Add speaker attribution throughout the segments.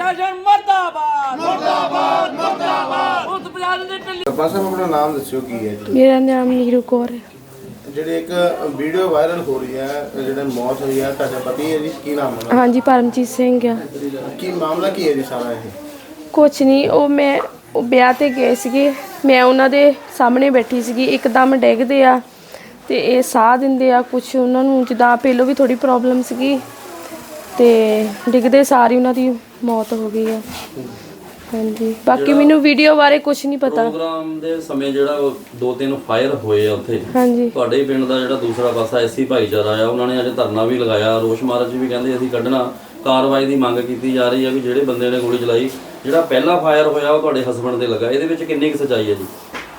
Speaker 1: ਪ੍ਰਸ਼ਾਸਨ ਮਰਦਾਬਾਦ ਮਰਦਾਬਾਦ ਮਰਦਾਬਾਦ। ਉਸ ਪ੍ਰਸ਼ਾਸਨ ਦੇ ਢਿੱਲੀ।
Speaker 2: ਸਰਪੰਚ ਸਾਹਿਬ ਆਪਣਾ ਨਾਮ ਦੱਸਿਓ ਕੀ ਹੈ ਜੀ?
Speaker 3: ਮੇਰਾ ਨਾਮ ਨੀਰੂ ਕੌਰ ਹੈ।
Speaker 2: ਜਿਹੜੇ ਇੱਕ ਵੀਡੀਓ ਵਾਇਰਲ ਹੋ ਰਹੀ ਹੈ, ਜਿਹੜੇ ਮੌਤ ਹੋਈ ਹੈ, ਤੁਹਾਡਾ ਪਤੀ ਹੈ ਜੀ, ਕੀ ਨਾਮ ਹੈ?
Speaker 3: ਹਾਂਜੀ ਪਰਮਜੀਤ ਸਿੰਘ ਆ।
Speaker 2: ਕੀ ਮਾਮਲਾ ਕੀ ਹੈ ਜੀ ਸਾਰਾ ਇਹ?
Speaker 3: ਕੁਛ ਨਹੀਂ, ਉਹ ਵਿਆਹ ਤੇ ਗਏ ਸੀਗੇ, ਮੈਂ ਉਹਨਾਂ ਦੇ ਸਾਹਮਣੇ ਬੈਠੀ ਸੀਗੀ, ਇੱਕਦਮ ਡਿੱਗਦੇ ਆ ਤੇ ਇਹ ਸਾਹ ਦਿੰਦੇ ਆ। ਕੁਛ ਉਹਨਾਂ ਨੂੰ ਜਿੱਦਾਂ ਪਹਿਲੋਂ ਵੀ ਥੋੜੀ ਪ੍ਰੋਬਲਮ ਸੀਗੀ ਤੇ ਡਿੱਗਦੇ ਸਾਰੀ ਉਹਨਾਂ ਦੀ ਮੌਤ ਹੋ ਗਈ ਆ। ਹਾਂਜੀ, ਬਾਕੀ ਮੈਨੂੰ ਵੀਡੀਓ ਬਾਰੇ ਕੁਝ ਨਹੀਂ ਪਤਾ।
Speaker 4: ਪ੍ਰੋਗਰਾਮ ਦੇ ਸਮੇਂ ਜਿਹੜਾ 2-3 ਫਾਇਰ ਹੋਏ ਆ ਉੱਥੇ,
Speaker 3: ਹਾਂਜੀ,
Speaker 4: ਤੁਹਾਡੇ ਪਿੰਡ ਦਾ ਜਿਹੜਾ ਦੂਸਰਾ ਪਾਸਾ ਐਸੀ ਭਾਈਚਾਰਾ ਆ, ਉਹਨਾਂ ਨੇ ਅੱਜ ਧਰਨਾ ਵੀ ਲਗਾਇਆ, ਰੋਸ ਮਾਰਚ ਵੀ ਕਹਿੰਦੇ ਅਸੀਂ ਕੱਢਣਾ। ਕਾਰਵਾਈ ਦੀ ਮੰਗ ਕੀਤੀ ਜਾ ਰਹੀ ਹੈ ਵੀ ਜਿਹੜੇ ਬੰਦੇ ਨੇ ਗੋਲੀ ਚਲਾਈ, ਜਿਹੜਾ ਪਹਿਲਾ ਫਾਇਰ ਹੋਇਆ ਉਹ ਤੁਹਾਡੇ ਹਸਬੰਡ ਤੇ ਲੱਗਾ, ਇਹਦੇ ਵਿੱਚ ਕਿੰਨੀ ਕੁ ਸੱਚਾਈ ਹੈ ਜੀ?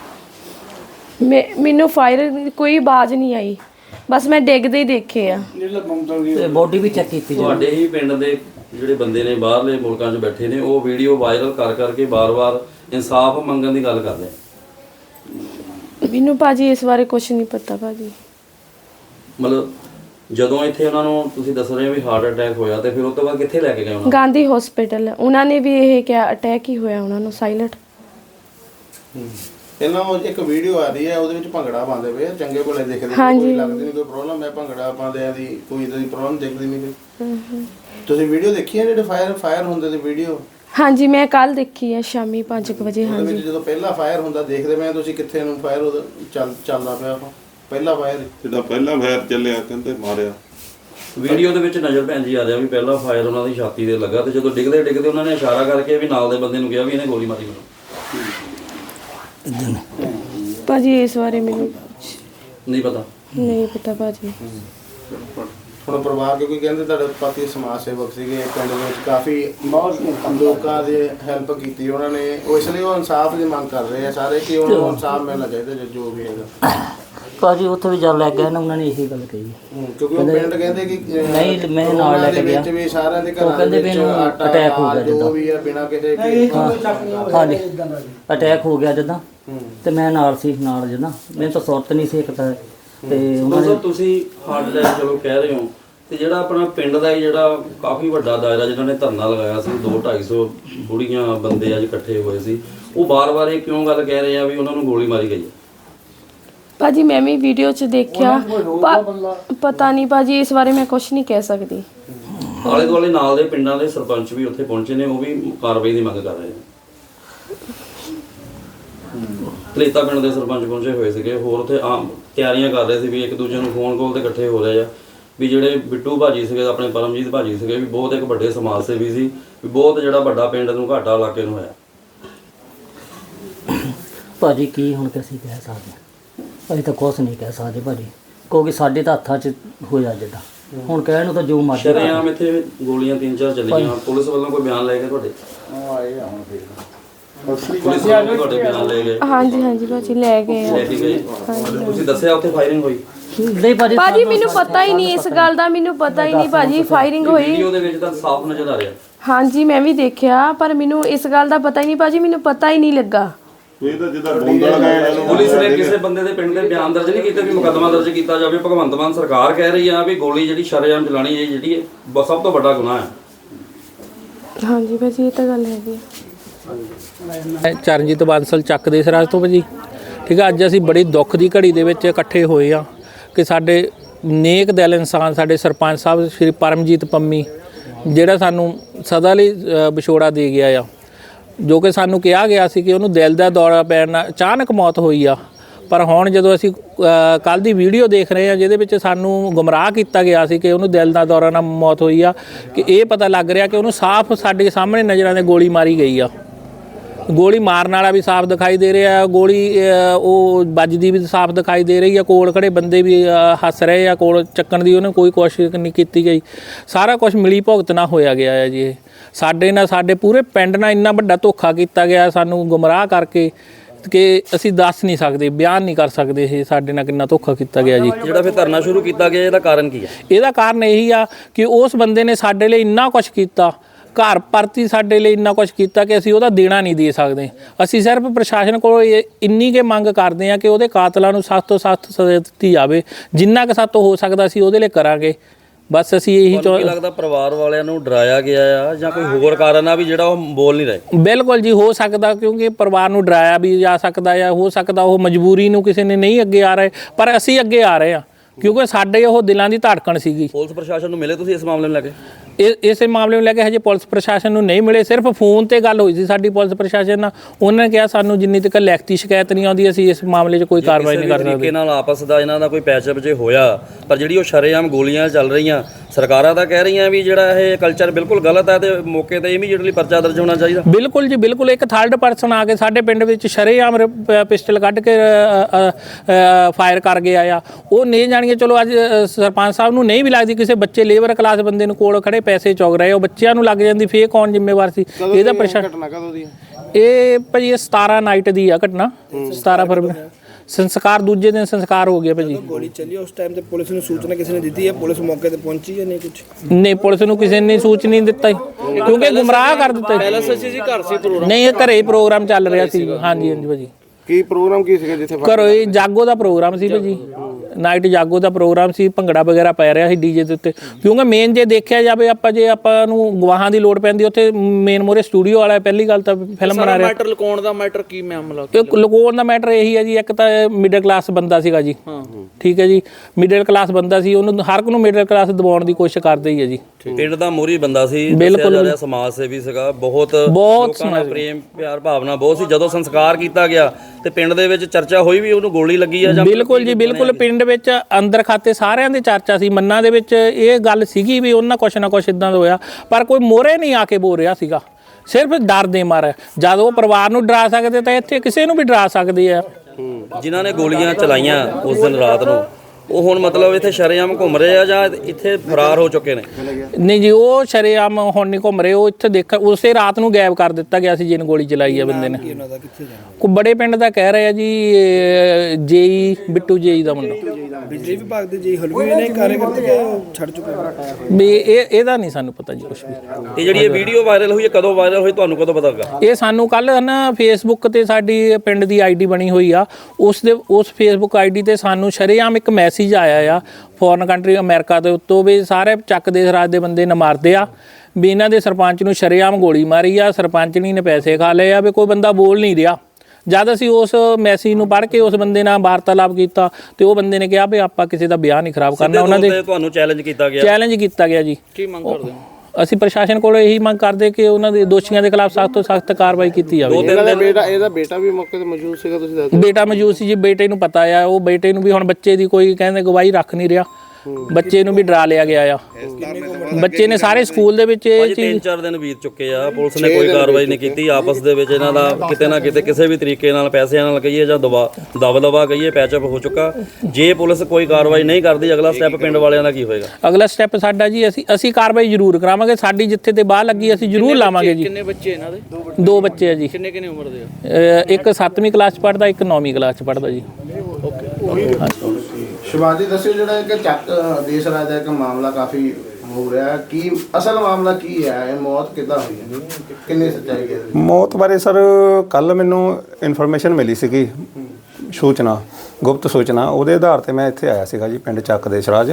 Speaker 3: ਮੈਨੂੰ ਫਾਇਰ ਕੋਈ ਆਵਾਜ਼ ਨਹੀਂ ਆਈ, ਬਸ ਮੈਂ ਡਿੱਗਦੇ ਹੀ ਦੇਖੇ ਆ।
Speaker 5: ਬੋਡੀ ਵੀ ਚੈੱਕ ਕੀਤੀ
Speaker 4: ਤੁਹਾਡੇ ਹੀ ਪਿੰਡ ਦੇ ਜਿਹੜੇ ਬੰਦੇ ਨੇ ਬਾਹਰਲੇ ਮੁਲਕਾਂ 'ਚ ਬੈਠੇ ਨੇ, ਉਹ ਵੀਡੀਓ ਵਾਇਰਲ ਕਰ ਕਰਕੇ ਬਾਰ-ਬਾਰ ਇਨਸਾਫ ਮੰਗਣ ਦੀ ਗੱਲ ਕਰਦੇ ਆ।
Speaker 3: ਮੈਨੂੰ ਭਾਜੀ ਇਸ ਬਾਰੇ ਕੁਝ ਨਹੀਂ ਪਤਾ ਭਾਜੀ।
Speaker 4: ਮਤਲਬ ਜਦੋਂ ਇੱਥੇ ਉਹਨਾਂ ਨੂੰ ਤੁਸੀਂ ਦੱਸ ਰਹੇ ਹੋ ਵੀ ਹਾਰਟ ਅਟੈਕ ਹੋਇਆ, ਤੇ ਫਿਰ ਉਸ ਤੋਂ ਬਾਅਦ ਕਿੱਥੇ ਲੈ ਕੇ ਗਏ ਉਹਨਾਂ?
Speaker 3: ਗਾਂਧੀ ਹਸਪੀਟਲ। ਉਹਨਾਂ ਨੇ ਵੀ ਇਹ ਕਿਹਾ ਅਟੈਕ ਹੀ ਹੋਇਆ ਉਹਨਾਂ ਨੂੰ, ਸਾਇਲੈਂਟ।
Speaker 2: ਇਹਨਾਂ ਨੂੰ ਇੱਕ ਵੀਡੀਓ ਆ ਰਹੀ ਹੈ, ਉਹਦੇ ਵਿੱਚ ਭੰਗੜਾ ਪਾਉਂਦੇ ਪਏ, ਚੰਗੇ ਭਲੇ ਦਿਖਦੇ, ਕੋਈ ਲੱਗਦੀ ਨਹੀਂ ਕੋਈ ਪ੍ਰੋਬਲਮ ਹੈ ਭੰਗੜਾ ਪਾਉਂਦੇ ਆ ਦੀ, ਕੋਈ ਇਦਾਂ ਦੀ ਪ੍ਰੋਬਲਮ ਦਿਖਦੀ ਨਹੀਂ ਕੋਈ। ਤੁਸੀਂ ਵੀਡੀਓ ਦੇਖੀ ਹੈ ਜਿਹੜੇ ਫਾਇਰ ਹੁੰਦੇ ਦੀ ਵੀਡੀਓ?
Speaker 3: ਹਾਂਜੀ, ਮੈਂ ਕੱਲ ਦੇਖੀ ਹੈ ਸ਼ਾਮੀ 5 ਵਜੇ। ਹਾਂਜੀ,
Speaker 2: ਜਦੋਂ ਪਹਿਲਾ ਫਾਇਰ ਹੁੰਦਾ ਦੇਖਦੇ ਮੈਂ, ਤੁਸੀਂ ਕਿੱਥੇ ਨੂੰ ਫਾਇਰ ਚੱਲਦਾ ਪਿਆ? ਪਹਿਲਾ ਫਾਇਰ
Speaker 6: ਜਿਹੜਾ ਪਹਿਲਾ ਫਾਇਰ ਚੱਲਿਆ ਕਹਿੰਦੇ ਮਾਰਿਆ।
Speaker 4: ਵੀਡੀਓ ਦੇ ਵਿੱਚ ਨਜ਼ਰ ਭੈਣ ਜੀ ਆ ਰਿਹਾ ਵੀ ਪਹਿਲਾ ਫਾਇਰ ਉਹਨਾਂ ਦੀ ਛਾਤੀ ਤੇ ਲੱਗਾ, ਤੇ ਜਦੋਂ ਡਿੱਗਦੇ ਉਹਨਾਂ ਨੇ ਇਸ਼ਾਰਾ ਕਰਕੇ ਵੀ ਨਾਲ ਦੇ ਬੰਦੇ ਨੂੰ ਕਿਹਾ ਵੀ ਇਹਨੇ ਗੋਲੀ ਮਾਰੀ ਮੈਨੂੰ।
Speaker 3: ਭਾਜੀ ਇਸ ਬਾਰੇ ਮੈਨੂੰ
Speaker 4: ਨਹੀਂ ਪਤਾ
Speaker 3: ਭਾਜੀ।
Speaker 2: ਹੁਣ ਪਰਿਵਾਰ ਦੇ ਕੋਈ ਕਹਿੰਦੇ ਤੁਹਾਡੇ ਪਤੀ ਸਮਾਜ ਸੇਵਕ ਸੀਗੇ, ਪਿੰਡ ਦੇ ਵਿੱਚ ਕਾਫੀ ਲੋਕਾਂ ਦੇ ਹੈਲਪ ਕੀਤੀ ਉਹਨਾਂ ਨੇ, ਉਹ ਇਸ ਲਈ ਉਹ ਇਨਸਾਫ ਦੀ ਮੰਗ ਕਰ ਰਹੇ ਆ ਸਾਰੇ ਕਿ ਉਹਨਾਂ ਨੂੰ ਇਨਸਾਫ ਮਿਲਣਾ ਚਾਹੀਦਾ ਜੋ ਵੀ ਹੈਗਾ।
Speaker 5: ਭਾਜੀ ਉੱਥੇ ਵੀ ਜਦ ਲੈ ਗਏ ਨਾ, ਉਹਨਾਂ ਨੇ ਇਹੀ ਗੱਲ ਕਹੀ,
Speaker 2: ਕਿਉਂਕਿ ਉਹ ਪਿੰਡ ਕਹਿੰਦੇ ਕਿ
Speaker 5: ਨਹੀਂ ਮੈਂ ਨਾਲ ਲੈ ਕੇ ਗਿਆ,
Speaker 2: ਵੀ ਸਾਰਿਆਂ ਦੇ ਘਰਾਂ
Speaker 5: ਕਹਿੰਦੇ ਵੀ ਇਹਨੂੰ ਅਟੈਕ ਹੋ ਗਿਆ
Speaker 2: ਜੋ ਵੀ ਹੈ ਬਿਨਾਂ ਕਿਸੇ
Speaker 5: ਹਾਂਜੀ ਅਟੈਕ ਹੋ ਗਿਆ ਜਦੋਂ, ਤੇ ਮੈਂ ਨਾਲ ਸੀ, ਨਾਲ ਜਦੋਂ ਮੈਨੂੰ ਤਾਂ ਸੁਰਤ ਨਹੀਂ ਸੀ ਇੱਕ ਤਾਂ, ਤੇ ਉਹਨਾਂ ਨੇ
Speaker 4: ਤੁਸੀਂ ਹਾਰਟ ਅਟੈਕ ਚਲੋ ਕਹਿ ਰਹੇ ਹੋ, ਤੇ ਜਿਹੜਾ ਆਪਣਾ ਪਿੰਡ ਦਾ ਹੀ ਜਿਹੜਾ ਕਾਫੀ ਵੱਡਾ ਦਾਇਰਾ ਜਿਹਨਾਂ ਨੇ ਧਰਨਾ ਲਗਾਇਆ ਸੀ, 200-250 ਬੁੜੀਆਂ ਬੰਦੇ ਅੱਜ ਇਕੱਠੇ ਹੋਏ ਸੀ, ਉਹ ਬਾਰ-ਬਾਰ ਇਹ ਕਿਉਂ ਗੱਲ ਕਹਿ ਰਹੇ ਆ ਵੀ ਉਹਨਾਂ ਨੂੰ ਗੋਲੀ ਮਾਰੀ ਗਈ?
Speaker 3: ਭਾਜੀ ਮੈਂ ਵੀ ਵੀਡੀਓ 'ਚ ਦੇਖਿਆ, ਪਤਾ ਨਹੀਂ ਭਾਜੀ, ਇਸ ਬਾਰੇ ਮੈਂ ਕੁਝ ਨਹੀਂ ਕਹਿ ਸਕਦੀ।
Speaker 4: ਆਲੇ ਦੁਆਲੇ ਨਾਲ ਦੇ ਪਿੰਡਾਂ ਦੇ ਸਰਪੰਚ ਵੀ ਉੱਥੇ ਪਹੁੰਚੇ ਨੇ, ਉਹ ਵੀ ਕਾਰਵਾਈ ਦੀ ਮੰਗ ਕਰ ਰਹੇ ਨੇ। ਤਲੇਤਾ ਪਿੰਡ ਦੇ ਸਰਪੰਚ ਪਹੁੰਚੇ ਹੋਏ ਸੀਗੇ, ਹੋਰ ਉੱਥੇ ਆਮ ਤਿਆਰੀਆਂ ਕਰ ਰਹੇ ਸੀ ਵੀ ਇੱਕ ਦੂਜੇ ਨੂੰ ਫੋਨ ਕਾਲ ਤੇ ਇਕੱਠੇ ਹੋ ਰਹੇ ਆ, ਵੀ ਜਿਹੜੇ ਬਿੱਟੂ ਭਾਜੀ ਸੀਗੇ, ਆਪਣੇ ਪਰਮਜੀਤ ਭਾਜੀ ਸੀਗੇ, ਵੀ ਬਹੁਤ ਇੱਕ ਵੱਡੇ ਸਮਾਜ ਸੇਵੀ ਸੀ, ਵੀ ਬਹੁਤ ਜਿਹੜਾ ਵੱਡਾ ਪਿੰਡ ਨੂੰ ਘਾਟਾ ਇਲਾਕੇ ਨੂੰ ਹੋਇਆ।
Speaker 5: ਭਾਜੀ ਕੀ ਹੁਣ ਅਸੀਂ ਕਹਿ ਸਕਦੇ ਹਾਂ? ਅਸੀਂ ਤਾਂ ਕੁਛ ਨਹੀਂ ਕਹਿ ਸਕਦੇ ਭਾਜੀ, ਕਿਉਂਕਿ ਸਾਡੇ ਤਾਂ ਹੱਥਾਂ 'ਚ ਹੋਇਆ ਜਿੱਦਾਂ, ਹੁਣ ਕਹਿਣ ਨੂੰ ਤਾਂ ਜੋ ਮਰਜ਼ੀ।
Speaker 4: ਸ਼ਰੇਆਮ ਇੱਥੇ ਗੋਲੀਆਂ 3-4 ਚੱਲੀਆਂ, ਪੁਲਿਸ ਵੱਲੋਂ ਕੋਈ ਬਿਆਨ ਲੈ ਕੇ ਤੁਹਾਡੇ? ਪੁਲਿਸ ਵੱਲੋਂ ਤੁਹਾਡੇ ਬਿਆਨ ਲੈ ਗਏ?
Speaker 3: ਹਾਂਜੀ ਭਾਜੀ ਲੈ ਗਏ।
Speaker 4: ਤੁਸੀਂ ਦੱਸਿਆ ਉੱਥੇ ਫਾਇਰਿੰਗ ਹੋਈ?
Speaker 5: ਨਹੀਂ
Speaker 3: ਭਾਜੀ ਮੈਨੂੰ ਪਤਾ ਹੀ ਨਹੀਂ ਇਸ ਗੱਲ ਦਾ, ਮੈਨੂੰ ਪਤਾ ਹੀ ਨਹੀਂ ਭਾਜੀ ਫਾਇਰਿੰਗ ਹੋਈ।
Speaker 4: ਵੀਡੀਓ ਦੇ ਵਿੱਚ ਤਾਂ ਸਾਫ਼ ਨਜ਼ਰ ਆ ਰਿਹਾ।
Speaker 3: ਹਾਂਜੀ ਮੈਂ ਵੀ ਦੇਖਿਆ, ਪਰ ਮੈਨੂੰ ਇਸ ਗੱਲ ਦਾ ਪਤਾ ਹੀ ਨਹੀਂ ਭਾਜੀ, ਮੈਨੂੰ ਪਤਾ ਹੀ ਨਹੀਂ ਲੱਗਾ।
Speaker 6: ਇਹ ਤਾਂ ਜਿੱਦਾਂ ਬੋਂਦਾ ਲਗਾਇਆ
Speaker 4: ਪੁਲਿਸ ਨੇ ਕਿਸੇ ਬੰਦੇ ਦੇ ਪਿੰਡ ਦੇ ਬਿਆਨ ਦਰਜ ਨਹੀਂ ਕੀਤੇ ਵੀ ਮੁਕੱਦਮਾ ਦਰਜ ਕੀਤਾ ਜਾਵੇ? ਭਗਵੰਤ ਮਾਨ ਸਰਕਾਰ ਕਹਿ ਰਹੀ ਆ ਵੀ ਗੋਲੀ ਜਿਹੜੀ ਸ਼ਰੇਆਮ ਚਲਾਣੀ ਇਹ ਜਿਹੜੀ ਹੈ ਸਭ ਤੋਂ ਵੱਡਾ ਗੁਨਾਹ ਹੈ।
Speaker 3: ਹਾਂਜੀ ਭਾਜੀ ਇਹ ਤਾਂ ਗੱਲ ਹੈਗੀ ਹੈ।
Speaker 7: ਚਰਨਜੀਤ ਬਾਂਸਲ ਚੱਕ ਦੇ ਸਰਾਜ ਤੋਂ ਭਾਜੀ, ਠੀਕ ਹੈ। ਅੱਜ ਅਸੀਂ ਬੜੀ ਦੁੱਖ ਦੀ ਘੜੀ ਦੇ ਵਿੱਚ ਇਕੱਠੇ ਹੋਏ ਆ ਕਿ ਸਾਡੇ ਨੇਕ ਦਿਲ ਇਨਸਾਨ ਸਾਡੇ ਸਰਪੰਚ ਸਾਹਿਬ ਸ਼੍ਰੀ ਪਰਮਜੀਤ ਪੰਮੀ, ਜਿਹੜਾ ਸਾਨੂੰ ਸਦਾ ਲਈ ਵਿਛੋੜਾ ਦੇ ਗਿਆ ਆ, ਜੋ ਕਿ ਸਾਨੂੰ ਕਿਹਾ ਗਿਆ ਸੀ ਕਿ ਉਹਨੂੰ ਦਿਲ ਦਾ ਦੌਰਾ ਪੈਣ ਨਾਲ ਅਚਾਨਕ ਮੌਤ ਹੋਈ ਆ। ਪਰ ਹੁਣ ਜਦੋਂ ਅਸੀਂ ਕੱਲ੍ਹ ਦੀ ਵੀਡੀਓ ਦੇਖ ਰਹੇ ਹਾਂ, ਜਿਹਦੇ ਵਿੱਚ ਸਾਨੂੰ ਗੁੰਮਰਾਹ ਕੀਤਾ ਗਿਆ ਸੀ ਕਿ ਉਹਨੂੰ ਦਿਲ ਦਾ ਦੌਰਾ ਨਾਲ ਮੌਤ ਹੋਈ ਆ, ਕਿ ਇਹ ਪਤਾ ਲੱਗ ਰਿਹਾ ਕਿ ਉਹਨੂੰ ਸਾਫ਼ ਸਾਡੇ ਸਾਹਮਣੇ ਨਜ਼ਰਾਂ ਦੇ ਗੋਲੀ ਮਾਰੀ ਗਈ ਆ। ਗੋਲੀ ਮਾਰਨ ਵਾਲਾ ਵੀ ਸਾਫ਼ ਦਿਖਾਈ ਦੇ ਰਿਹਾ, ਗੋਲੀ ਉਹ ਵੱਜਦੀ ਵੀ ਸਾਫ਼ ਦਿਖਾਈ ਦੇ ਰਹੀ ਆ, ਕੋਲ ਖੜੇ ਬੰਦੇ ਵੀ ਹੱਸ ਰਹੇ ਆ, ਕੋਲ ਚੱਕਣ ਦੀ ਉਹਨੇ ਕੋਈ ਕੋਸ਼ਿਸ਼ ਨਹੀਂ ਕੀਤੀ ਗਈ। ਸਾਰਾ ਕੁਝ ਮਿਲੀ ਭੁਗਤ ਨਾਲ ਹੋਇਆ ਗਿਆ ਹੈ ਜੀ। ਸਾਡੇ ਨਾਲ, ਸਾਡੇ ਪੂਰੇ ਪਿੰਡ ਨਾਲ ਇੰਨਾ ਵੱਡਾ ਧੋਖਾ ਕੀਤਾ ਗਿਆ, ਸਾਨੂੰ ਗੁੰਮਰਾਹ ਕਰਕੇ, ਕਿ ਅਸੀਂ ਦੱਸ ਨਹੀਂ ਸਕਦੇ, ਬਿਆਨ ਨਹੀਂ ਕਰ ਸਕਦੇ ਇਹ ਸਾਡੇ ਨਾਲ ਕਿੰਨਾ ਧੋਖਾ ਕੀਤਾ ਗਿਆ ਜੀ।
Speaker 4: ਜਿਹੜਾ ਫਿਰ ਧਰਨਾ ਸ਼ੁਰੂ ਕੀਤਾ ਗਿਆ, ਇਹਦਾ ਕਾਰਨ ਕੀ ਹੈ?
Speaker 7: ਇਹਦਾ ਕਾਰਨ ਇਹੀ ਆ ਕਿ ਉਸ ਬੰਦੇ ਨੇ ਸਾਡੇ ਲਈ ਇੰਨਾ ਕੁਝ ਕੀਤਾ, ਘਰ ਪ੍ਰਤੀ ਸਾਡੇ ਲਈ ਇੰਨਾ ਕੁਝ ਕੀਤਾ ਕਿ ਅਸੀਂ ਉਹਦਾ ਦੇਣਾ ਨਹੀਂ ਦੇ ਸਕਦੇ। ਅਸੀਂ ਸਿਰਫ ਪ੍ਰਸ਼ਾਸਨ ਕੋਲ ਇੰਨੀ ਕੁ ਮੰਗ ਕਰਦੇ ਹਾਂ ਕਿ ਉਹਦੇ ਕਾਤਲਾਂ ਨੂੰ ਸਖਤ ਤੋਂ ਸਖਤ ਸਜ਼ਾ ਦਿੱਤੀ ਜਾਵੇ। ਜਿੰਨਾ ਕੁ ਸਾਡੇ ਤੋਂ ਹੋ ਸਕਦਾ ਅਸੀਂ ਉਹਦੇ ਲਈ ਕਰਾਂਗੇ। ਬਸ ਅਸੀਂ ਇਹੀ
Speaker 4: ਤੁਹਾਨੂੰ ਕੀ ਲੱਗਦਾ ਪਰਿਵਾਰ ਵਾਲਿਆਂ ਨੂੰ ਡਰਾਇਆ ਗਿਆ ਆ ਜਾਂ ਕੋਈ ਹੋਰ ਕਾਰਨ ਆ ਵੀ ਜਿਹੜਾ ਉਹ ਬੋਲ ਨਹੀਂ ਰਹੇ?
Speaker 7: ਬਿਲਕੁਲ ਜੀ, ਹੋ ਸਕਦਾ, ਕਿਉਂਕਿ ਪਰਿਵਾਰ ਨੂੰ ਡਰਾਇਆ ਵੀ ਜਾ ਸਕਦਾ ਆ, ਹੋ ਸਕਦਾ ਉਹ ਮਜਬੂਰੀ ਨੂੰ ਕਿਸੇ ਨੇ ਨਹੀਂ ਅੱਗੇ ਆ ਰਹੇ, ਪਰ ਅਸੀਂ ਅੱਗੇ ਆ ਰਹੇ ਹਾਂ ਕਿਉਂਕਿ ਸਾਡੇ ਉਹ ਦਿਲਾਂ ਦੀ ਧੜਕਣ ਸੀਗੀ।
Speaker 4: ਪੁਲਿਸ ਪ੍ਰਸ਼ਾਸਨ ਨੂੰ ਮਿਲੇ ਤੁਸੀਂ ਇਸ ਮਾਮਲੇ ਨੂੰ ਲੈ ਕੇ?
Speaker 7: ਇਸੇ ਮਾਮਲੇ ਨੂੰ ਲੈ ਕੇ ਹਜੇ ਪੁਲਿਸ ਪ੍ਰਸ਼ਾਸਨ ਨੂੰ ਨਹੀਂ ਮਿਲੇ, ਸਿਰਫ ਫੋਨ ਤੇ ਗੱਲ ਹੋਈ ਸੀ ਸਾਡੀ ਪੁਲਿਸ ਪ੍ਰਸ਼ਾਸਨ ਨਾਲ। ਉਹਨਾਂ ਨੇ ਕਿਹਾ ਸਾਨੂੰ ਜਿੰਨੀ ਤੱਕ ਲਿਖਤੀ ਸ਼ਿਕਾਇਤ ਨਹੀਂ ਆਉਂਦੀ ਅਸੀਂ ਇਸ ਮਾਮਲੇ 'ਚ ਕੋਈ ਕਾਰਵਾਈ ਨਹੀਂ ਕਰ ਸਕਦੇ।
Speaker 4: ਤਰੀਕੇ ਨਾਲ ਆਪਸ ਦਾ ਇਹਨਾਂ ਦਾ ਕੋਈ ਪੈਚਅਪ ਜੇ ਹੋਇਆ, ਪਰ ਜਿਹੜੀ ਉਹ ਸ਼ਰੇਆਮ ਗੋਲੀਆਂ ਚੱਲ ਰਹੀਆਂ, ਸਰਕਾਰਾਂ ਤਾਂ ਕਹਿ ਰਹੀਆਂ ਵੀ ਜਿਹੜਾ ਇਹ ਕਲਚਰ ਬਿਲਕੁਲ ਗਲਤ ਹੈ ਤੇ ਮੌਕੇ ਤੇ ਇਮੀਡੀਏਟਲੀ ਪਰਚਾ ਦਰਜ ਹੋਣਾ ਚਾਹੀਦਾ।
Speaker 7: ਬਿਲਕੁਲ ਜੀ, ਬਿਲਕੁਲ। ਇੱਕ ਥਰਡ ਪਰਸਨ ਆ ਕੇ ਸਾਡੇ ਪਿੰਡ ਵਿੱਚ ਸ਼ਰੇਆਮ ਪਿਸਟਲ ਕੱਢ ਕੇ ਫਾਇਰ ਕਰ ਗਿਆ ਆ। ਉਹ ਨਹੀਂ ਜਾਣੀਏ, ਚਲੋ ਅੱਜ ਸਰਪੰਚ ਸਾਹਿਬ ਨੂੰ ਨਹੀਂ ਵੀ ਲੱਗਦੀ, ਕਿਸੇ ਬੱਚੇ ਲੇਬਰ ਕਲਾਸ ਬੰਦੇ ਨੂੰ ਕੋਲ ਖੜੇ ਪੈਸੇ ਚੁਗ ਰਹੇ, ਉਹ ਬੱਚਿਆਂ ਨੂੰ ਲੱਗ ਜਾਂਦੀ, ਫੇਰ ਕੌਣ ਜ਼ਿੰਮੇਵਾਰ ਸੀ ਇਹਦਾ?
Speaker 2: ਘਟਨਾ ਕਦੋਂ ਦੀ?
Speaker 7: ਇਹ ਭਾਜੀ 17 ਨਾਈਟ ਦੀ ਆ ਘਟਨਾ, 17 ਫਰਵਰੀ। ਸੰਸਕਾਰ ਦੂਜੇ ਦਿਨ ਸੰਸਕਾਰ ਹੋ ਗਿਆ ਭਾਜੀ।
Speaker 8: ਗੋਲੀ ਚੱਲੀ ਉਸ ਟਾਈਮ ਤੇ ਪੁਲਿਸ ਨੂੰ ਸੂਚਨਾ ਕਿਸੇ ਨੇ ਦਿੱਤੀ ਹੈ? ਪੁਲਿਸ ਮੌਕੇ ਤੇ ਪਹੁੰਚੀ ਜਾਂ ਨਹੀਂ? ਕੁਝ
Speaker 7: ਨਹੀਂ, ਪੁਲਿਸ ਨੂੰ ਕਿਸੇ ਨੇ ਸੂਚਨਾ ਨਹੀਂ ਦਿੱਤਾ ਕਿਉਂਕਿ ਗੁੰਮਰਾਹ ਕਰ ਦਿੱਤਾ। ਨਹੀਂ, ਇਹ ਘਰੇ ਹੀ ਪ੍ਰੋਗਰਾਮ ਚੱਲ ਰਿਹਾ ਸੀ। ਹਾਂਜੀ ਹਾਂਜੀ ਭਾਜੀ।
Speaker 2: ਕੀ ਪ੍ਰੋਗਰਾਮ ਕੀ ਸੀਗਾ ਜਿੱਥੇ?
Speaker 7: ਘਰੋਂ ਹੀ ਜਾਗੋ ਦਾ ਪ੍ਰੋਗਰਾਮ ਸੀ ਭਾਜੀ, ਨਾਈਟ ਜਾਗੋ ਦਾ ਪ੍ਰੋਗਰਾਮ ਸੀ, ਭੰਗੜਾ ਵਗੈਰਾ ਪੈ ਰਿਹਾ ਸੀ ਡੀਜੇ ਦੇ ਉੱਤੇ। ਕਿਉਂਕਿ ਮੇਨ ਜੇ ਦੇਖਿਆ ਜਾਵੇ ਜੇ ਆਪਾਂ ਨੂੰ ਗਵਾਹਾਂ ਦੀ ਲੋੜ ਪੈਂਦੀ, ਉੱਥੇ ਮੇਨ ਮੋਰੇ ਸਟੂਡੀਓ ਵਾਲਾ ਪਹਿਲੀ ਗੱਲ ਤਾਂ ਫਿਲਮ ਬਣਾ ਰਿਹਾ।
Speaker 1: ਮੈਟਰ ਲੁਕਾਉਣ ਦਾ ਮੈਟਰ ਕੀ ਮਾਮਲਾ?
Speaker 7: ਲੁਕਾਉਣ ਦਾ ਮੈਟਰ ਇਹੀ ਹੈ ਜੀ, ਇੱਕ ਤਾਂ ਮਿਡਲ ਕਲਾਸ ਬੰਦਾ ਸੀਗਾ ਜੀ, ਠੀਕ ਹੈ ਜੀ, ਮਿਡਲ ਕਲਾਸ ਬੰਦਾ ਸੀ, ਉਹਨੂੰ ਹਰ ਇੱਕ ਨੂੰ ਮਿਡਲ ਕਲਾਸ ਦਬਾਉਣ ਦੀ ਕੋਸ਼ਿਸ਼ ਕਰਦੇ ਹੀ ਹੈ ਜੀ।
Speaker 4: ਪਿੰਡ ਦਾ ਮੋਰੀ ਬੰਦਾ ਸੀ,
Speaker 7: ਬਿਲਕੁਲ
Speaker 4: ਸਮਾਜ ਸੇਵੀ ਸੀਗਾ, ਬਹੁਤ ਲੋਕਾਂ ਦਾ ਪ੍ਰੇਮ ਪਿਆਰ ਭਾਵਨਾ ਬਹੁਤ ਸੀ। ਜਦੋਂ ਸੰਸਕਾਰ ਕੀਤਾ ਗਿਆ ਤੇ ਪਿੰਡ ਦੇ ਵਿੱਚ ਚਰਚਾ ਹੋਈ ਵੀ ਉਹਨੂੰ ਗੋਲੀ ਲੱਗੀ ਆ ਜਾਂ?
Speaker 7: ਬਿਲਕੁਲ ਜੀ, ਬਿਲਕੁਲ। ਪਿੰਡ ਵਿੱਚ ਅੰਦਰ ਖਾਤੇ ਸਾਰਿਆਂ ਦੀ ਚਰਚਾ ਸੀ, ਮੰਨਾਂ ਦੇ ਵਿੱਚ ਇਹ ਗੱਲ ਸੀਗੀ ਵੀ ਉਹਨਾਂ ਕੁਛ ਨਾ ਕੁਛ ਇਦਾਂ ਦਾ ਹੋਇਆ, ਪਰ ਕੋਈ ਮੋਰੇ ਨਹੀਂ ਆ ਕੇ ਬੋਲ ਰਿਹਾ ਸੀਗਾ, ਸਿਰਫ ਡਰ ਦੇ ਮਾਰੇ। ਜਦ ਉਹ ਪਰਿਵਾਰ ਨੂੰ ਡਰਾ ਸਕਦੇ ਤਾਂ ਇੱਥੇ ਕਿਸੇ ਨੂੰ ਵੀ ਡਰਾ ਸਕਦੇ ਆ।
Speaker 4: ਜਿਨ੍ਹਾਂ ਨੇ ਗੋਲੀਆਂ ਚਲਾਈਆਂ ਉਸ ਦਿਨ ਰਾਤ ਨੂੰ, ਉਹ ਹੁਣ ਮਤਲਬ ਇੱਥੇ ਸ਼ਰੇਆਮ ਘੁੰਮ ਰਹੇ ਆ ਜਾਂ ਇੱਥੇ ਫਰਾਰ ਹੋ ਚੁੱਕੇ ਨੇ?
Speaker 7: ਨਹੀਂ ਜੀ, ਉਹ ਸ਼ਰੇਆਮ ਹੁਣ ਨਹੀਂ ਘੁੰਮ ਰਹੇ, ਉਹ ਇੱਥੇ ਦੇਖ ਉਸੇ ਰਾਤ ਨੂੰ ਗਾਇਬ ਕਰ ਦਿੱਤਾ ਗਿਆ ਸੀ ਜਿਹਨੇ ਗੋਲੀ ਚਲਾਈ ਆ ਬੰਦੇ ਨੇ। ਕੋਈ ਬੜੇ ਪਿੰਡ ਦਾ ਕਹਿ ਰਿਹਾ ਜੀ, ਜੇਈ ਬਿੱਟੂ ਜੇਈ ਦਾ ਮੁੰਡਾ।
Speaker 8: ਬਿਜਲੀ ਵਿਭਾਗ ਦੇ ਜੀ ਹਲਵੇ ਨੇ ਕਾਰਜਕਰਤਾ ਕਿਹਾ ਛੱਡ ਚੁੱਕੇ
Speaker 7: ਵੀ ਇਹਦਾ ਨਹੀਂ ਸਾਨੂੰ ਪਤਾ ਜੀ ਕੁਝ ਵੀ।
Speaker 4: ਇਹ ਜਿਹੜੀ ਇਹ ਵੀਡੀਓ ਵਾਇਰਲ ਹੋਈ ਹੈ, ਕਦੋਂ ਵਾਇਰਲ ਹੋਈ, ਤੁਹਾਨੂੰ ਕਦੋਂ ਪਤਾ ਲੱਗਾ?
Speaker 7: ਇਹ ਸਾਨੂੰ ਕੱਲ ਨਾ ਫੇਸਬੁੱਕ ਤੇ ਸਾਡੀ ਪਿੰਡ ਦੀ ਆਈਡੀ ਬਣੀ ਹੋਈ ਆ, ਉਸ ਫੇਸਬੁੱਕ ਆਈਡੀ ਤੇ ਸਾਨੂੰ ਸ਼ਰੇਆਮ ਇੱਕ ਮੈਸੇਜ ਆਇਆ ਆ ਫੋਰਨ ਕੰਟਰੀ ਅਮਰੀਕਾ ਦੇ ਉੱਤੋਂ ਵੀ ਸਾਰੇ ਚੱਕ ਦੇ ਰਾਜ ਦੇ ਬੰਦੇ ਨੇ ਮਾਰਦੇ ਆ, ਵੀ ਇਹਨਾਂ ਦੇ ਸਰਪੰਚ ਨੂੰ ਸ਼ਰੇਆਮ ਗੋਲੀ ਮਾਰੀ ਆ, ਸਰਪੰਚਣੀ ਨੇ ਪੈਸੇ ਖਾ ਲਏ ਆ, ਵੀ ਕੋਈ ਬੰਦਾ ਬੋਲ ਨਹੀਂ ਰਿਹਾ। ਜਦ ਅਸੀਂ ਉਸ ਮੈਸੇਜ ਨੂੰ ਪੜ੍ਹ ਕੇ ਉਸ ਬੰਦੇ ਨਾਲ ਵਾਰਤਾਲਾਪ ਕੀਤਾ ਤੇ ਉਹ ਬੰਦੇ ਨੇ ਕਿਹਾ ਵੀ ਆਪਾਂ ਕਿਸੇ ਦਾ ਵਿਆਹ ਨਹੀਂ ਖਰਾਬ ਕਰਨਾ। ਉਹਨਾਂ ਦੇ
Speaker 4: ਤੁਹਾਨੂੰ ਚੈਲੰਜ ਕੀਤਾ ਗਿਆ
Speaker 7: ਜੀ।
Speaker 1: ਕੀ ਮੰਗ ਕਰਦੇ ਹੋ?
Speaker 7: ਅਸੀਂ ਪ੍ਰਸ਼ਾਸਨ ਕੋਲੋਂ ਇਹੀ ਮੰਗ ਕਰਦੇ ਕਿ ਉਹਨਾਂ ਦੇ ਦੋਸ਼ੀਆਂ ਦੇ ਖਿਲਾਫ ਸਖਤ ਤੋਂ ਸਖਤ ਕਾਰਵਾਈ ਕੀਤੀ ਜਾਵੇ।
Speaker 2: ਇਹਦਾ ਬੇਟਾ ਵੀ ਮੌਕੇ ਤੇ ਮੌਜੂਦ ਸੀਗਾ, ਤੁਸੀਂ ਦੱਸੋ?
Speaker 7: ਬੇਟਾ ਮੌਜੂਦ ਸੀ ਜੀ, ਬੇਟੇ ਨੂੰ ਪਤਾ ਆ, ਉਹ ਬੇਟੇ ਨੂੰ ਵੀ ਹੁਣ ਬੱਚੇ ਦੀ ਕੋਈ ਕਹਿੰਦੇ ਗਵਾਹੀ ਰੱਖ ਨਹੀਂ ਰਿਹਾ, ਬੱਚੇ ਨੂੰ ਵੀ ਡਰਾ ਲਿਆ ਗਿਆ ਆ। ਬੱਚੇ ਨੇ ਸਾਰੇ ਸਕੂਲ ਦੇ ਵਿੱਚ ਇਹ ਚੀਜ਼
Speaker 4: 3-4 ਦਿਨ ਬੀਤ ਚੁੱਕੇ ਆ, ਪੁਲਿਸ ਨੇ ਕੋਈ ਕਾਰਵਾਈ ਨਹੀਂ ਕੀਤੀ। ਆਪਸ ਦੇ ਵਿੱਚ ਇਹਨਾਂ ਦਾ ਕਿਤੇ ਨਾ ਕਿਤੇ ਕਿਸੇ ਵੀ ਤਰੀਕੇ ਨਾਲ ਪੈਸਿਆਂ ਨਾਲ ਕਹੀਏ ਜਾਂ ਦਬਦਬਾ ਕਹੀਏ, ਪੈਚਅਪ ਹੋ ਚੁੱਕਾ। ਜੇ ਪੁਲਿਸ ਕੋਈ ਕਾਰਵਾਈ ਨਹੀਂ ਕਰਦੀ, ਅਗਲਾ ਸਟੈਪ ਪਿੰਡ ਵਾਲਿਆਂ ਦਾ ਕੀ ਹੋਏਗਾ?
Speaker 7: ਅਗਲਾ ਸਟੈਪ ਸਾਡਾ ਜੀ, ਅਸੀਂ ਕਾਰਵਾਈ ਜ਼ਰੂਰ ਕਰਾਵਾਂਗੇ। ਸਾਡੀ ਜਿੱਥੇ ਤੇ ਬਾਹ ਲੱਗੀ ਅਸੀਂ ਜ਼ਰੂਰ ਲਾਵਾਂਗੇ ਜੀ।
Speaker 1: ਕਿੰਨੇ ਬੱਚੇ ਇਹਨਾਂ ਦੇ?
Speaker 7: 2 ਬੱਚੇ ਆ ਜੀ।
Speaker 1: ਕਿੰਨੇ ਉਮਰ ਦੇ ਆ?
Speaker 7: ਇੱਕ 7ਵੀਂ ਕਲਾਸ 'ਚ ਪੜ੍ਹਦਾ, ਇੱਕ 9ਵੀਂ ਕਲਾਸ 'ਚ ਪੜ੍ਹਦਾ ਜੀ।
Speaker 2: ਸ਼ਿਵਾਜੀ ਦੱਸਿਓ, ਜਿਹੜਾ ਕਿ ਚੱਕ ਦੇਸ਼ ਰਾਜ ਦਾ ਇੱਕ ਮਾਮਲਾ ਕਾਫੀ ਹੋ ਰਿਹਾ, ਕੀ ਅਸਲ ਮਾਮਲਾ ਕੀ ਹੈ? ਇਹ ਮੌਤ ਕਿੱਦਾਂ ਹੋਈ ਹੈ, ਕਿੰਨੀ ਸੱਚਾਈ ਹੈ?
Speaker 9: ਮੌਤ ਬਾਰੇ ਸਰ ਕੱਲ ਮੈਨੂੰ ਇਨਫੋਰਮੇਸ਼ਨ ਮਿਲੀ ਸੀਗੀ, ਸੂਚਨਾ, ਗੁਪਤ ਸੂਚਨਾ, ਉਹਦੇ ਆਧਾਰ ਤੇ ਮੈਂ ਇੱਥੇ ਆਇਆ ਸੀਗਾ ਜੀ, ਪਿੰਡ ਚੱਕ ਦੇ ਸਰਾਜ।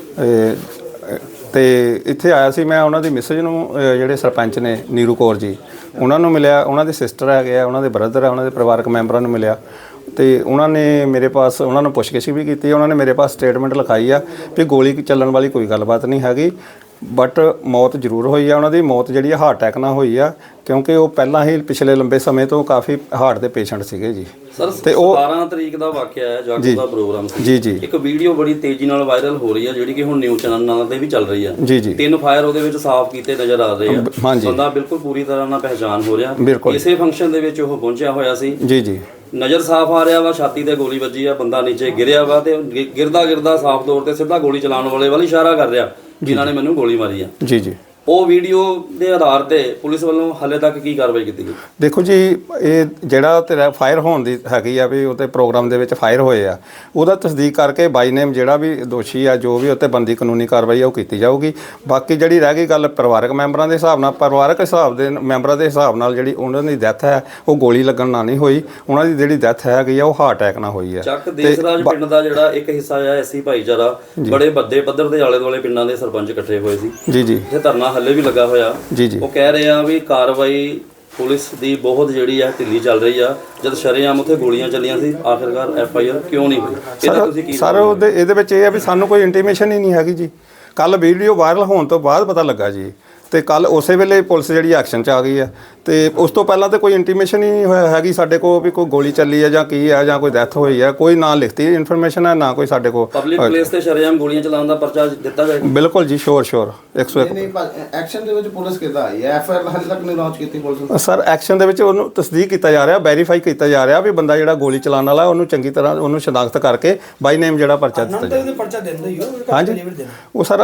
Speaker 9: ਤੇ ਇੱਥੇ ਆਇਆ ਸੀ ਮੈਂ ਉਹਨਾਂ ਦੀ ਮਿਸਜ ਨੂੰ, ਜਿਹੜੇ ਸਰਪੰਚ ਨੇ ਨੀਰੂ ਕੌਰ ਜੀ, ਉਹਨਾਂ ਨੂੰ ਮਿਲਿਆ, ਉਹਨਾਂ ਦੇ ਸਿਸਟਰ ਹੈਗੇ ਆ, ਉਹਨਾਂ ਦੇ ਬ੍ਰਦਰ ਆ, ਉਹਨਾਂ ਦੇ ਪਰਿਵਾਰਕ ਮੈਂਬਰਾਂ ਨੂੰ ਮਿਲਿਆ। ਤੇ ਉਹਨਾਂ ਨੇ ਮੇਰੇ ਪਾਸ, ਉਹਨਾਂ ਨੂੰ ਪੁੱਛਗਿੱਛ ਵੀ ਕੀਤੀ, ਉਹਨਾਂ ਨੇ ਮੇਰੇ ਪਾਸ ਸਟੇਟਮੈਂਟ ਲਿਖਾਈ ਆ ਵੀ ਗੋਲੀ ਚੱਲਣ ਵਾਲੀ ਕੋਈ ਗੱਲਬਾਤ ਨਹੀਂ ਹੈਗੀ, ਬਟ ਮੌਤ ਜ਼ਰੂਰ ਹੋਈ ਆ। ਉਹਨਾਂ ਦੀ ਮੌਤ ਜਿਹੜੀ ਆ ਹਾਰਟ ਅਟੈਕ ਨਾਲ ਹੋਈ ਆ, ਕਿਉਂਕਿ ਉਹ ਪਹਿਲਾਂ ਹੀ ਪਿਛਲੇ ਲੰਬੇ ਸਮੇਂ ਤੋਂ ਕਾਫੀ ਹਾਰਟ ਦੇ ਪੇਸ਼ੈਂਟ ਸੀਗੇ ਜੀ।
Speaker 4: ਸਰ,
Speaker 9: ਤੇ ਉਹ
Speaker 4: 17 ਤਰੀਕ ਦਾ ਵਾਕਿਆ ਹੈ, ਜਾਗੋ ਦਾ ਪ੍ਰੋਗਰਾਮ ਸੀ
Speaker 9: ਜੀ ਜੀ।
Speaker 4: ਇੱਕ ਵੀਡੀਓ ਬੜੀ ਤੇਜ਼ੀ ਨਾਲ ਵਾਇਰਲ ਹੋ ਰਹੀ ਹੈ, ਜਿਹੜੀ ਕਿ ਹੁਣ ਨਿਊਜ਼ ਚੈਨਲਾਂ ਤੇ ਵੀ ਚੱਲ ਰਹੀ ਹੈ
Speaker 9: ਜੀ ਜੀ।
Speaker 4: 3 ਫਾਇਰ ਉਹਦੇ ਵਿੱਚ ਸਾਫ਼ ਕੀਤੇ ਨਜ਼ਰ ਆ ਰਹੇ ਆ,
Speaker 9: ਹਾਂਜੀ।
Speaker 4: ਬੰਦਾ ਬਿਲਕੁਲ ਪੂਰੀ ਤਰ੍ਹਾਂ ਨਾਲ ਪਹਿਚਾਨ ਹੋ ਰਿਹਾ।
Speaker 9: ਬਿਲਕੁਲ।
Speaker 4: ਇਸੇ ਫੰਕਸ਼ਨ ਦੇ ਵਿੱਚ ਉਹ ਪਹੁੰਚਿਆ ਹੋਇਆ ਸੀ
Speaker 9: ਜੀ ਜੀ।
Speaker 4: ਨਜ਼ਰ ਸਾਫ਼ ਆ ਰਿਹਾ ਵਾ, ਛਾਤੀ ਤੇ ਗੋਲੀ ਵੱਜੀ ਆ, ਬੰਦਾ ਨੀਚੇ ਗਿਰਿਆ ਵਾ ਤੇ ਗਿਰਦਾ ਗਿਰਦਾ ਸਾਫ਼ ਤੌਰ ਤੇ ਸਿੱਧਾ ਗੋਲੀ ਚਲਾਉਣ ਵਾਲੇ ਵੱਲ ਇਸ਼ਾਰਾ ਕਰ ਰਿਹਾ, ਜਿਨ੍ਹਾਂ ਨੇ ਮੈਨੂੰ ਗੋਲੀ ਮਾਰੀ ਆ।
Speaker 9: ਜੀ ਜੀ।
Speaker 4: ਉਹ ਵੀਡੀਓ ਦੇ ਆਧਾਰ ਤੇ ਪੁਲਿਸ ਵੱਲੋਂ ਹਾਲੇ ਤੱਕ ਕੀ ਕਾਰਵਾਈ ਕੀਤੀ ਗਈ?
Speaker 9: ਦੇਖੋ ਜੀ, ਇਹ ਜਿਹੜਾ ਤੇਰਾ ਫਾਇਰ ਹੋਣ ਦੀ ਹੈਗੀ ਆ ਵੀ ਉਹਤੇ ਪ੍ਰੋਗਰਾਮ ਦੇ ਵਿੱਚ ਫਾਇਰ ਹੋਏ ਆ, ਉਹਦਾ ਤਸਦੀਕ ਕਰਕੇ ਬਾਈ ਨੇਮ ਜਿਹੜਾ ਵੀ ਦੋਸ਼ੀ ਆ, ਜੋ ਵੀ ਉੱਤੇ ਬੰਦੀ ਕਾਨੂੰਨੀ ਕਾਰਵਾਈ ਆ ਉਹ ਕੀਤੀ ਜਾਊਗੀ। ਬਾਕੀ ਜਿਹੜੀ ਰਹਿ ਗਈ ਗੱਲ ਪਰਿਵਾਰਕ ਮੈਂਬਰਾਂ ਦੇ ਹਿਸਾਬ ਨਾਲ, ਪਰਿਵਾਰਕ ਹਿਸਾਬ ਦੇ ਮੈਂਬਰਾਂ ਦੇ ਹਿਸਾਬ ਨਾਲ ਜਿਹੜੀ ਉਹਨਾਂ ਦੀ ਡੈਥ ਹੈ ਉਹ ਗੋਲੀ ਲੱਗਣ ਨਾਲ ਨਹੀਂ ਹੋਈ, ਉਹਨਾਂ ਦੀ ਜਿਹੜੀ ਡੈਥ ਹੈਗੀ ਆ ਉਹ ਹਾਰਟ ਅਟੈਕ ਨਾਲ ਹੋਈ ਹੈ।
Speaker 4: ਚੱਕ ਦੇਸਰਾਜ ਪਿੰਡ ਦਾ ਜਿਹੜਾ ਇੱਕ ਹਿੱਸਾ ਆ ਐਸੀ ਭਾਈਚਾਰਾ, ਬੜੇ ਵੱਡੇ ਪੱਧਰ ਦੇ ਆਲੇ ਦੁਆਲੇ ਪਿੰਡਾਂ ਦੇ ਸਰਪੰਚ ਇਕੱਠੇ ਹੋਏ ਸੀ
Speaker 9: ਜੀ ਜੀ
Speaker 4: ਇਹ ਧਰਨਾ ਹੱਲੇ ਵੀ ਲੱਗਾ ਹੋਇਆ।
Speaker 9: ਜੀ ਜੀ
Speaker 4: ਉਹ ਕਹਿ ਰਹੇ ਆ ਵੀ ਕਾਰਵਾਈ ਪੁਲਿਸ ਦੀ ਬਹੁਤ ਜਿਹੜੀ ਆ ਢਿੱਲੀ ਚੱਲ ਰਹੀ ਆ, ਜਦ ਸ਼ਰੇਆਮ ਉੱਥੇ ਗੋਲੀਆਂ ਚੱਲੀਆਂ ਸੀ, ਆਖਿਰਕਾਰ FIR ਕਿਉਂ ਨਹੀਂ ਹੋਈ? ਇਹਦਾ ਤੁਸੀਂ ਕੀ
Speaker 9: ਸਰ ਇਹਦੇ ਵਿੱਚ ਇਹ ਆ ਵੀ ਸਾਨੂੰ ਕੋਈ ਇੰਟੀਮੇਸ਼ਨ ਹੀ ਨਹੀਂ ਹੈਗੀ ਜੀ। ਕੱਲ ਵੀਡੀਓ ਵਾਇਰਲ ਹੋਣ ਤੋਂ ਬਾਅਦ ਪਤਾ ਲੱਗਾ ਜੀ, ਤੇ ਕੱਲ ਉਸੇ ਵੇਲੇ ਪੁਲਿਸ ਜਿਹੜੀ ਐਕਸ਼ਨ 'ਚ ਆ ਗਈ ਹੈ, ਤੇ ਉਸ ਤੋਂ ਪਹਿਲਾਂ ਤਾਂ ਕੋਈ ਇੰਟੀਮੇਸ਼ਨ ਹੀ ਨਹੀਂ ਹੋਇਆ ਹੈਗੀ ਸਾਡੇ ਕੋਲ ਵੀ ਕੋਈ ਗੋਲੀ ਚੱਲੀ ਹੈ ਜਾਂ ਕੀ ਹੈ ਜਾਂ ਕੋਈ ਡੈਥ ਹੋਈ ਹੈ। ਕੋਈ ਨਾ ਲਿਖਤੀ ਇਨਫੋਰਮੇਸ਼ਨ ਹੈ, ਨਾ ਕੋਈ ਸਾਡੇ ਕੋਲ
Speaker 4: ਪਬਲਿਕ ਪਲੇਸ ਤੇ ਸ਼ਰੇਆਮ ਗੋਲੀਆਂ ਚਲਾਉਣ ਦਾ ਪਰਚਾ ਦਿੱਤਾ ਜਾਏਗਾ?
Speaker 9: ਬਿਲਕੁਲ ਜੀ, ਸ਼ੋਰ 101।
Speaker 2: ਨਹੀਂ ਐਕਸ਼ਨ ਦੇ ਵਿੱਚ ਪੁਲਿਸ ਕਿੱਦਾਂ ਆਈ ਹੈ? FIR ਹਾਲੇ ਤੱਕ ਨਹੀਂ ਲਾਂਚ ਕੀਤੀ ਪੁਲਿਸ ਨੇ?
Speaker 9: ਸਰ ਐਕਸ਼ਨ ਦੇ ਵਿੱਚ ਉਹਨੂੰ ਤਸਦੀਕ ਕੀਤਾ ਜਾ ਰਿਹਾ, ਵੈਰੀਫਾਈ ਕੀਤਾ ਜਾ ਰਿਹਾ ਵੀ ਬੰਦਾ ਜਿਹੜਾ ਗੋਲੀ ਚਲਾਉਣ ਵਾਲਾ ਉਹਨੂੰ ਚੰਗੀ ਤਰ੍ਹਾਂ ਉਹਨੂੰ ਸ਼ਨਾਖਤ ਕਰਕੇ ਬਾਈ ਨੇਮ ਜਿਹੜਾ ਪਰਚਾ ਦਿੱਤਾ ਜਾਵੇ।
Speaker 8: ਪਰਚਾ ਦਿੰਦਾ ਹੀ ਹੋ
Speaker 9: ਹਾਂਜੀ, ਉਹ ਸਰ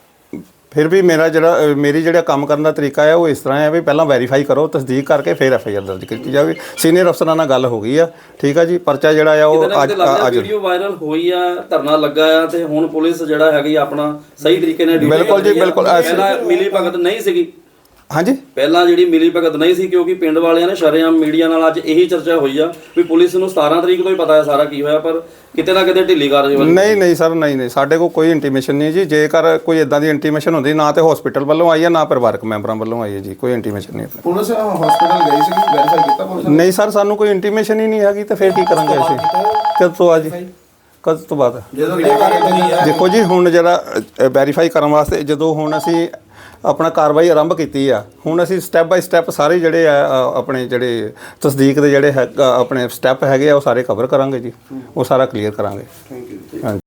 Speaker 9: ਫਿਰ ਵੀ ਮੇਰੀ ਜਿਹੜਾ ਕੰਮ ਕਰਨ ਦਾ ਤਰੀਕਾ ਹੈ ਉਹ ਇਸ ਤਰ੍ਹਾਂ ਹੈ ਵੀ ਪਹਿਲਾਂ ਵੈਰੀਫਾਈ ਕਰੋ, ਤਸਦੀਕ ਕਰਕੇ ਫਿਰ FIR ਦਰਜ ਕੀਤੀ ਜਾਵੇ। ਸੀਨੀਅਰ ਅਫਸਰਾਂ ਨਾਲ ਗੱਲ ਹੋ ਗਈ ਆ, ਠੀਕ ਆ ਜੀ। ਪਰਚਾ ਜਿਹੜਾ ਆ ਉਹ ਅੱਜ
Speaker 4: ਵੀਡੀਓ ਵਾਇਰਲ ਹੋਈ ਆ, ਧਰਨਾ ਲੱਗਾ ਆ, ਤੇ ਹੁਣ ਪੁਲਿਸ ਜਿਹੜਾ ਹੈਗੀ ਆਪਣਾ ਸਹੀ ਤਰੀਕੇ ਨਾਲ ਡਿਊਟੀ
Speaker 9: ਬਿਲਕੁਲ ਜੀ, ਬਿਲਕੁਲ।
Speaker 4: ਪਹਿਲਾਂ ਮਿਲੀ ਭਗਤ ਨਹੀਂ ਸੀਗੀ,
Speaker 9: ਹਾਂਜੀ,
Speaker 4: ਪਹਿਲਾਂ ਜਿਹੜੀ ਮਿਲੀ ਭਗਤ ਨਹੀਂ ਸੀ, ਕਿਉਂਕਿ ਪਿੰਡ ਵਾਲਿਆਂ ਨੇ ਸ਼ਰੇਆਮ ਮੀਡੀਆ ਨਾਲ ਅੱਜ ਇਹੀ ਚਰਚਾ ਹੋਈ ਆ ਵੀ ਪੁਲਿਸ ਨੂੰ 17 ਤਰੀਕ ਤੋਂ ਹੀ ਪਤਾ ਹੈ ਸਾਰਾ ਕੀ ਹੋਇਆ, ਪਰ ਕਿਤੇ ਨਾ ਕਿਤੇ ਢਿੱਲੀ ਕਾਰਜ ਹੋਈ।
Speaker 9: ਨਹੀਂ ਸਰ, ਨਹੀਂ ਸਾਡੇ ਕੋਲ ਕੋਈ ਇੰਟੀਮੇਸ਼ਨ ਨਹੀਂ ਜੀ। ਜੇਕਰ ਕੋਈ ਇਦਾਂ ਦੀ ਇੰਟੀਮੇਸ਼ਨ ਹੁੰਦੀ, ਨਾ ਤੇ ਹਸਪੀਟਲ ਵੱਲੋਂ ਆਈ ਹੈ, ਨਾ ਪਰਿਵਾਰਕ ਮੈਂਬਰਾਂ ਵੱਲੋਂ ਆਈ ਹੈ ਜੀ, ਕੋਈ ਇੰਟੀਮੇਸ਼ਨ ਨਹੀਂ।
Speaker 2: ਪੁਲਿਸ ਹਸਪੀਟਲ ਗਈ ਸੀ, ਵੈਰੀਫਾਈ ਕੀਤਾ ਪੁਲਿਸ ਨੇ?
Speaker 9: ਨਹੀਂ ਸਰ, ਸਾਨੂੰ ਕੋਈ ਇੰਟੀਮੇਸ਼ਨ ਹੀ ਨਹੀਂ ਹੈਗੀ, ਤੇ ਫਿਰ ਕੀ ਕਰਾਂਗੇ ਅਸੀਂ? ਕਦ ਤੋਂ ਅੱਜ ਕਦ ਤੋਂ ਬਾਅਦ?
Speaker 2: ਜਦੋਂ
Speaker 9: ਦੇਖੋ ਜੀ, ਹੁਣ ਜਿਹੜਾ ਵੈਰੀਫਾਈ ਕਰਨ ਵਾਸਤੇ ਜਦੋਂ ਹੁਣ ਅਸੀਂ ਆਪਣਾ ਕਾਰਵਾਈ ਆਰੰਭ ਕੀਤੀ ਆ, ਹੁਣ ਅਸੀਂ ਸਟੈਪ ਬਾਈ ਸਟੈਪ ਸਾਰੇ ਜਿਹੜੇ ਆ ਆਪਣੇ ਜਿਹੜੇ ਤਸਦੀਕ ਦੇ ਜਿਹੜੇ ਆਪਣੇ ਸਟੈਪ ਹੈਗੇ ਆ ਉਹ ਸਾਰੇ ਕਵਰ ਕਰਾਂਗੇ ਜੀ, ਉਹ ਸਾਰਾ ਕਲੀਅਰ ਕਰਾਂਗੇ।
Speaker 2: Thank you.
Speaker 9: ਹਾਂਜੀ।